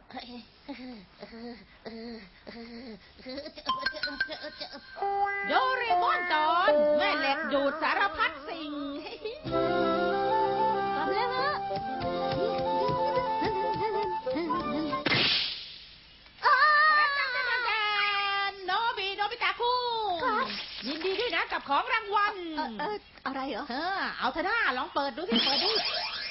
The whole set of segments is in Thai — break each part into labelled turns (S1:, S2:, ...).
S1: โดเรมอนตอนแม่เหล็กดูดสารพัดสิ่ง
S2: กลับแล้วฮะ
S1: โนบิตะคุยินดีด้วยนะกับของรางวัล
S2: อะไรเหรอ
S1: เอาเถอะนะลองเปิดดูสิเปิดดู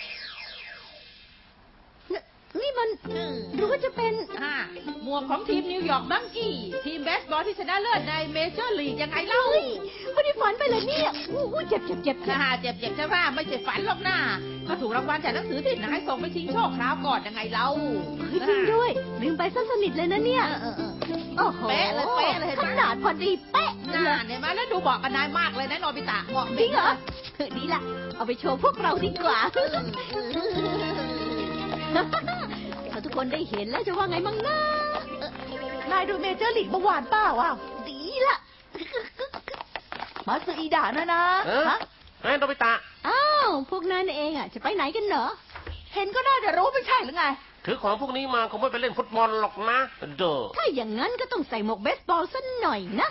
S2: นี่มันหรือว่าจะเป็น
S1: หมวกของทีมนิวยอร์กบังกี้ทีมเบสบอลที่ชนะเลิศในเมเจอร์ลีกยังไงเล่า
S2: ไม่ได้ฝันไปเลยเนี่ยเจ็บ
S1: เจ็บใช่ไหมไม่ใช่ฝันหรอกนะก็ถูกรางวัลจากหนังสือที่นายส่งไปชิงโชคคราวก่อนยังไงเล่า
S2: จริงด้วยลืมไปซะสนิทเลยนะเนี่ยโอ้โห
S1: เป๊ะเลย
S2: ขนาดพอดีเป๊ะ
S1: เนี่ยมาแล้วดูบอกกันนายมากเลยนะโนบิตะเหมาะ
S2: จริงเหรอดีละเอาไปโชว์พวกเราดีกว่าถ้าทุกคนได้เห็นแล้วจะว่าไงมั่งนะ
S3: นายดูเมเจอร์ลีกเมื่อวานเปล่า
S2: ดีละ
S3: มาซึอีดะนะ
S4: ฮะโนบิตะ
S2: อ้าวพวกนั้นเองจะไปไหนกันเหรอ
S3: เห็นก็น่าจะรู้ไม่ใช่หรือไง
S4: ถือของพวกนี้มาคงไม่ไปเล่นฟุตบอลหรอกนะเด้อ
S2: ถ้าอย่างนั้นก็ต้องใส่หมวกเบสบอลสักหน่อยนะ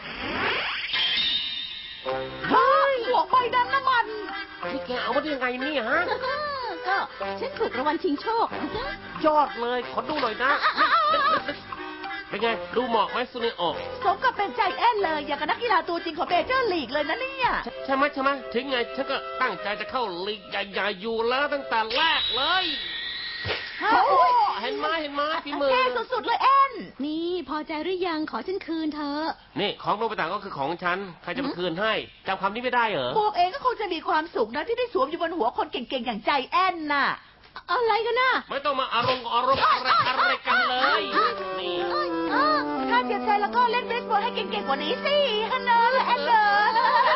S3: เฮ้ยหมวกใบนั้นน้ำมัน
S4: ที่แกเอามาได้ยังไงเนี่ยฮะ
S2: ก็ฉันถูกรางวัลชิงโชค
S4: ยอดเลยขอดูหน่อยนะเป็นไงดูเหมาะไหมซูเนโอ
S3: สมกับเป็นใจแอนเลยอย่างกับนักกีฬาตัวจริงของเมเจอร์ลีกเลยนะเนี่ย
S4: ใช่ไหมถึงไงฉันก็ตั้งใจจะเข้าลีกใหญ่ๆอยู่แล้วตั้งแต่แรกเลยเห็นไหมพี่มือ
S3: เท่สุดๆเลยแอน
S2: นี่พอใจหรือยังขอฉันคืนเธอ
S4: นี่ของโนบิตะก็คือของฉันใครจะมาคืนให้จำคำนี้ไม่ได้เหรอ
S3: พวกเองก็คงจะมีความสุขนะที่ได้สวมอยู่บนหัวคนเก่งๆอย่างใจแอนน่ะ
S2: อะไรกันน่ะ
S4: ไม่ต้องมาอารมณ์อะไรกันเลยนี่
S3: ถ้าเสียใจแล้วก็เล่นเบสบอลให้เก่งๆกว่านี้สิฮันเนอร์แอนเนอร์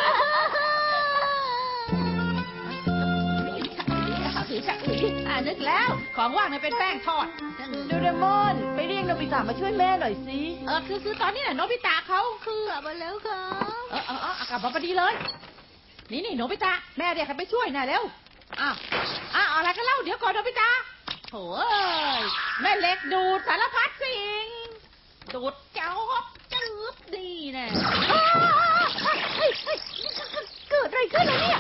S1: นึกแล้วของว่างเนี่ยเป็นแป้งทอด
S3: โดเรมอนไปเรียกโนบิตะมาช่วยแม่หน่อยสิ
S1: คือตอนนี้น่ะโนบิตะเขาคือก
S2: ลับมาแล้วค่ะ
S1: กลับมาพอดีเลยนี่โนบิตะแม่เรียกให้ไปช่วยหน่อยเร็วอะไรกันเล่าเดี๋ยวก่อนโนบิตะโถ่แม่เล็กดูดสารพัดสิ่งดูดเจ้าจืบดีแน่
S2: เกิดอะไรขึ้นเนี่ย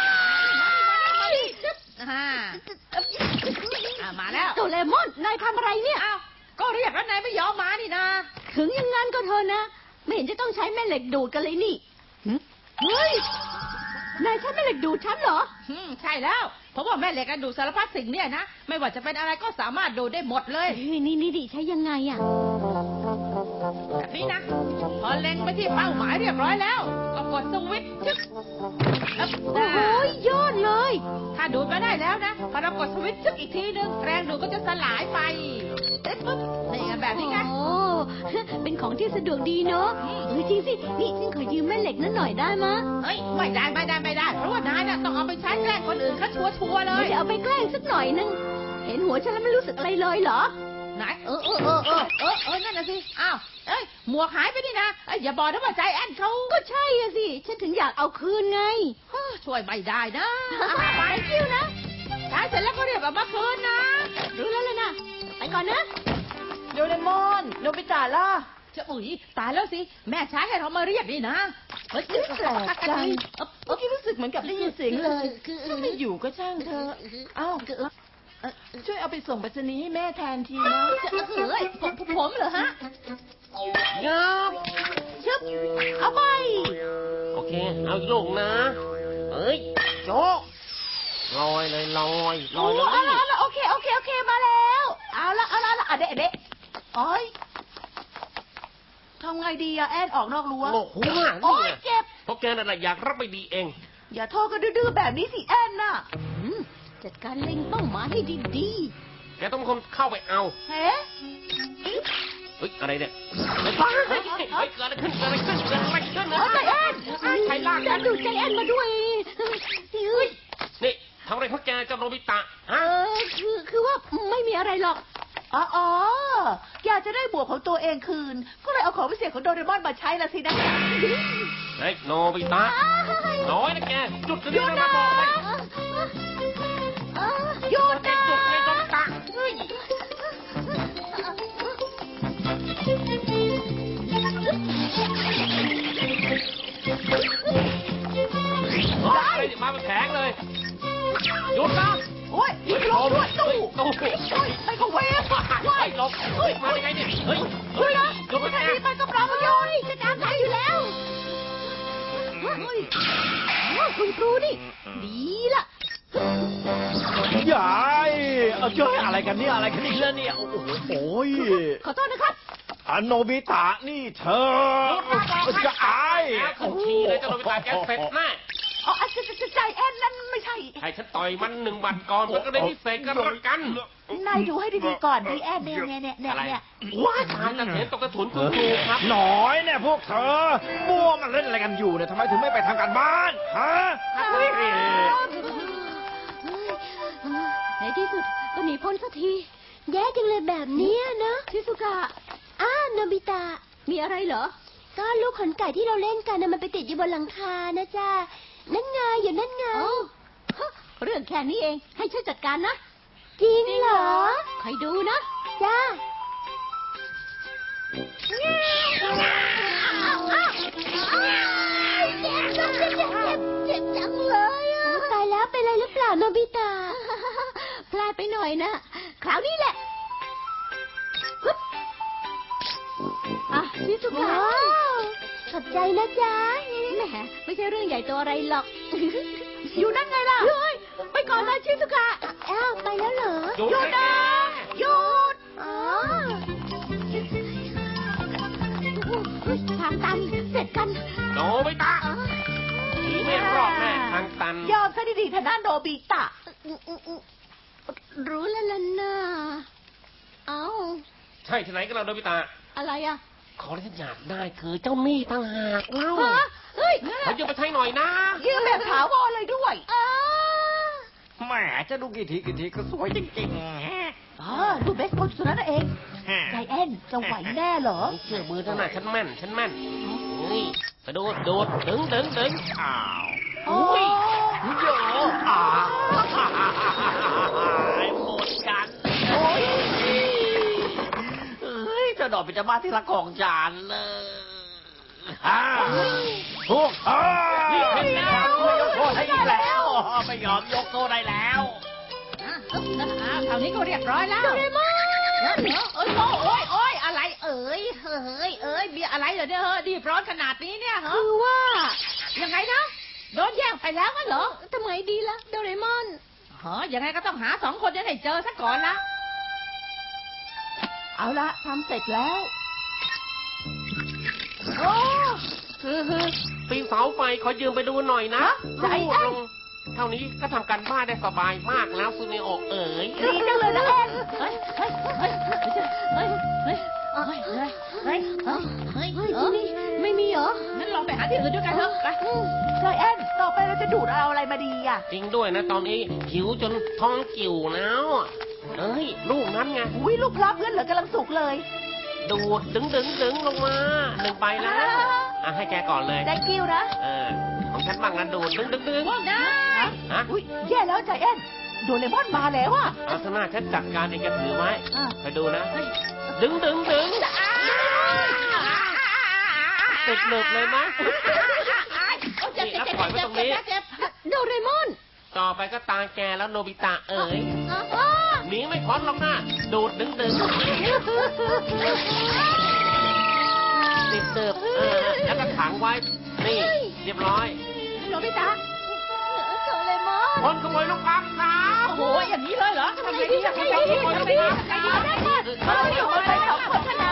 S1: มาแล้ว
S2: โดเรมอนนายทำอะไรเนี่ย
S1: ก็เรียกแล้วนายไม่ยอมมานี่นะ
S2: ถึงอย่างงั้นก็เถอะนะไม่เห็นจะต้องใช้แม่เหล็กดูดกันเลยนี่เฮ้ยนายใช้แม่เหล็กดูดฉันเหรอ
S1: ใช่แล้วเพราะว่าแม่เหล็กดูดสารพัดสิ่งเนี่ยนะไม่ว่าจะเป็นอะไรก็สามารถดูดได้หมดเลย
S2: นี่ดิใช้ยังไง
S1: แบบนี้นะพอเล็งไปที่เป้าหมายเรียบร้อยแล้วก็กดสวิตช์ชึก
S2: โอ้โหยอดเลย
S1: ถ้าดูดมาได้แล้วนะพอเรากดสวิตช์ชึกอีกทีนึงแรงดูดก็จะสลายไปปุ๊บนี่แบบนี้ไง
S2: โอ้เป็นของที่สะดวกดีเนาะจริงสินี่ฉันขอยืมแม่เหล็กนั่นหน่อยได้มะ
S1: ไม่ได้เพราะว่านายน่ะต้องเอาไปใช้แกล้งคนอื่นเขาชัวร์เลย
S2: ไม่ได้เอาไปแกล้งสักหน่อยนึงเห็นหัวฉันแล้วไม่รู้สึกอะไรเลยเหรอ
S1: ไหนนั่นน่ะสิหมวกหายไปนี่นะอย่าบอกนะว่าใจแอนเขา
S2: ก็ใช่สิฉันถึงอยากเอาคืนไง
S1: ช่วยไม่ได้นะ
S2: ไปคิวนะ
S1: ใช้เสร็จแล้วก็เรียกเอามาคืนนะ
S2: รู้แล้วนะไปก่อนนะ
S3: โดเรมอนโนบิตะล่ะ
S1: จะตายแล้วสิแม่ใช้ให้เรามาเรียกนี่นะ
S3: แปลกจังเมื่อกี้รู้สึกเหมือนกับได้ยินเสียงเลยถ้าไม่อยู่ก็ช่างเธอช่วยเอาไปส่งไปรษณีย์ให้แม่แทนทีนะ
S1: ผมเหรอฮะ
S4: ยับ
S3: ชึบเอาไป
S4: โอเคเอาอีกลูกนะโจ๊กลอยเลยลอย
S3: โอเคมาแล้วเอาละเด็กทำไงดีแอนออกนอกรั้ว
S4: โอ้โห
S3: เจ็บ
S4: เพราะแกนั่นแหละอยากรับไปดีเอง
S3: อย่าโทษก็ดื้อแบบนี้สิแอนน่ะ
S2: จัดการเล็งเป้าหมายให้ดี
S4: ๆแกต้องเป็นคนเข้าไปเอา
S3: เฮ้
S4: อะไรเนี่ยเกิดอะไรขึ้น
S2: ใจแอน
S4: ใครลากกัน
S2: ดูใจแอนมาด้วย
S4: นี่ทำอะไรของแกเจ้าโนบิตะ
S2: คือว่าไม่มีอะไรหรอก
S3: อยากจะได้บวกของตัวเองคืนก็เลยเอาของพิเศษของโดเรมอนมาใช้ละสินะ
S4: โนบิตะน้อยนะแกจุดจะได้มาบอกเลย
S3: หยุดนะ
S4: จุดเลยโนบิตะตู้ไอ้ก็เวฟไอ้หลบมาได้ไงเนี่ยเฮ้ยเฮ้ยหลบไปไหน
S2: ไปกับเราโยนจะตามใจอยู่แล้วคุณครูนี่ดีล่ะ
S5: ยายเอาเจ้ยอะไรกันเนี่ยอะไรกันนี่แล้วเนี่ยโอ้โหโอ้ย
S2: ขอโทษนะครับ
S5: อันโนบิตะนี่เธอจะอาย
S4: ขึ้นขี้เลยเจ้าโนบิตะแกเสร็จแน่
S2: อ๋อใจแอนนั่นไม่ใช่
S4: ให้ฉันต่อยมัน1 วันก่อนมันก็ได้พิเศษกันละกัน
S3: นายดูให้ดีๆก่อนดีแอนเนี่ย
S4: อะไรว้าทานกันเห็นตกกระถุนคุณครูครับ
S5: หน่อยเนี่ยพวกเธอมัวมันเล่นอะไรกันอยู่เนี่ยทำไมถึงไม่ไปทำการบ้านฮะ
S2: ในที่สุดก็หนีพ้นสักทีแย่จังเลยแบบนี้นะชิซุกะโนบิตะมีอะไรเหรอก็ลูกขนไก่ที่เราเล่นกันมันไปติดอยู่บนหลังคานะจ๊ะนั่นไงอยู่นั่นไงเรื่องแค่นี้เองให้ช่วยจัดการนะจริงเหรอใครดูนะจ้าเจ็บจังเลยอ่ะตายแล้วเป็นอะไรหรือเปล่าโนบิตะพลาดไปหน่อยนะคราวนี้แหละชิซุกะขอบใจนะจ๊ะแหมไม่ใช่เรื่องใหญ่โตอะไรหรอกอยู่นั่นไงล่ะไปก่อนนะชิซุกะไปแล้วเหรอหยุดนะหยุดทางตันเสร็จกัน
S4: โนบิตะหนีไม่รอดแน่ทางตัน
S3: ยอมซะดีๆทางด้านโนบิตะ
S2: รู้แล้วล่ะนะ
S4: ใช่ที่ไหนกันเราโนบิตะ
S2: อะไรอ่ะ
S4: ของที่ฉันอยากได้คือเจ้าหนี้ต่างหากเล่า
S2: เฮ้ย
S4: เขายืมไปใช้หน่อยนะ
S3: ยืมแบบถาวรเลยด้วย
S5: แหมจะดูกี่ทีก็สวยจริงๆ
S3: ดูเบสบอลสุดนั้นเองใจแอนจะไหวแน่เหรอ
S4: ไม่เชื่อมือเท่านั้นฉันแม่นนี่กระโดดดึง
S5: อ้าว
S3: โอ้ย
S5: เยอะหมดกันโอ้ยเฮ้ยจะดอกเป็นจะมาที่ละกองจานเลยพวกเธอไม่ยกโทษให้อีกแล้วไม่ยอมยกโทษได้แล้ว
S1: คราวนี้ก็เรียบร้อยแล้วโดเรมอนโอ้ยอะไรเอ้ยมีอะไรเหรอเนี่ยดีร้อนขนาดนี้เนี่ยเหรอ
S2: คือว่า
S1: ยังไงนะโดนแย่งไปแล้วงั้นเหรอ
S2: ทำไมดีล่ะโดเรมอน
S1: ยังไงก็ต้องหา2 คนให้เจอซะก่อนละ
S3: เอาละทำเสร็จแล้ว
S1: โอ้
S4: ปีนเสาไฟขอยืมไปดูหน่อยนะ
S3: ใจแอน
S4: ลงเท่านี้ก็ทำการบ้านได้สบายมากแล้วซูเนโอะเอ๋ย
S3: ดีจังเลยนะแอน
S1: เฮ้ย
S2: ที่นี่ไม่มีเหรอ
S1: งั้นลองไปหาที่อื่นด้วยกันเถอะไป
S3: ใจแอนต่อไปเราจะดูดเอาอะไรมาดีอ่ะ
S4: จริงด้วยนะตอนนี้หิวจนท้องกิ่วแล้วเอ้ยลูกนั้นไง
S3: อุ้ยลูกพลับเงินเหลือกำลังสุกเลย
S4: ดูดดึงลงมา1 ใบแล้วให้แกก่อนเลย
S3: ได้คิวนะ
S4: ของฉันบ้างนะดูดดึง
S1: พวกนาย
S4: ฮะ
S3: อุ้ยแย่แล้วใจแอนโดเรมอนมาแล้วอ่ะ
S4: เอาสนาฉันจัดการเองแกถือไว้
S3: อ่ะ
S4: ไปดูนะดึงติดหนึบเลยมั้ย
S1: เจ็บ
S2: โดเรมอน
S4: ต่อไปก็ตาแกแล้วโนบิตะเอ๋ยหนีไม่พ้นหรอกนะดูดดึงติดเติบแล้วก็ขังไว้นี่เรียบร้อย
S1: โนบิตะ
S2: โดเรมอน
S4: คนขโมยลูกปั๊มครับ
S1: โอ้โหอย่างนี้เลยเหรอทำไงดีทำไงดีอยู่คนไป2 คนชนะ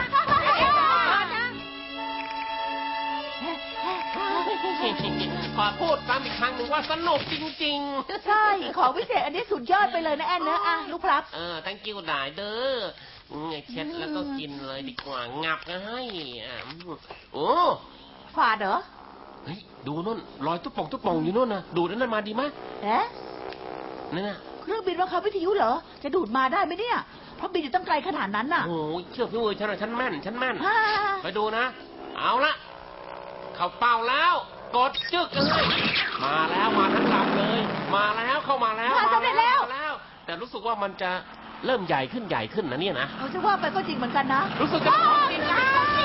S4: ขอพูดซ้ำอีกครั้งหนึ่งว่าสนุกจริง
S3: ใช่ของวิเศษอันนี้สุดยอดไปเลยนะแอนนะอ่ะลูกพลับ
S4: thank you ได้เด้อเช็ดแล้วก็กินเลยดีกว่างับนะให้โอ้
S3: ฝาดเหรอ
S4: เฮ้ยดูนู่นรอยตุ๊บป่องอยู่นู่นนะดูดนั่นมาดีไหม
S3: เอ๊ะ
S4: นั่นน่ะ
S3: เครื่องบินบังคับวิทยุเหรอ จะดูดมาได้ไหมเนี่ย เพราะบินอยู่ตั้งไกลขนาดนั้นน่ะ
S4: โอ้ยเชื่อพี่เวอร์ฉันแม่น
S3: ฮ่า
S4: ไปดูนะ เอาละเข้าเป้าแล้วกดจึกเลยมาแล้วมาทั้งลำเลย มาแล้วเข้ามาแล้วมาแล้วแต่รู้สึกว่ามันจะเริ่มใหญ่ขึ้นนะเนี่ยนะ
S3: เขาจะว่าไปก็จริงเหมือนกันนะ
S4: รู้สึกจะของจริงนะ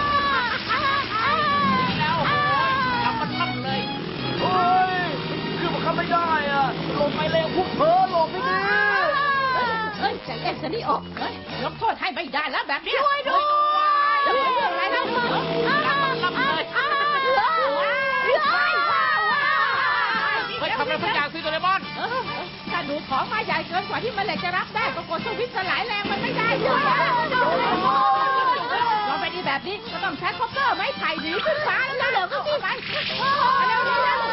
S4: แล้วโอ้ยเรามันลั่นเลย
S5: เฮ้ยขึ้นมาขับไม่ได้อ่ะลงไปเร็วพวกเธอลงไม่ดี
S1: เฮ้ยใจจะเล่นซะนี่ออกเฮ้ยยกโทษให้ไม่ได้แล้วแบบนี้
S2: ช่วยด้วย
S1: จะไม่เรื่องอะไรแล้วรับเลย
S4: เฮ้ยทำอะไรสักอย่างสิโดเรมอน
S1: ถ้าดูของมาใหญ่เกินกว่าที่มันเหล็กจะรับได้ก็กดสวิตช์สลายแรงมันไม่ได้ด้วยเราไปดีแบบนี้ก็ต้องใช้คอปเตอร์ไม้ไผ่หนีขึ้นฟ้าแล้วเหรอก็ที่ไปเร็ว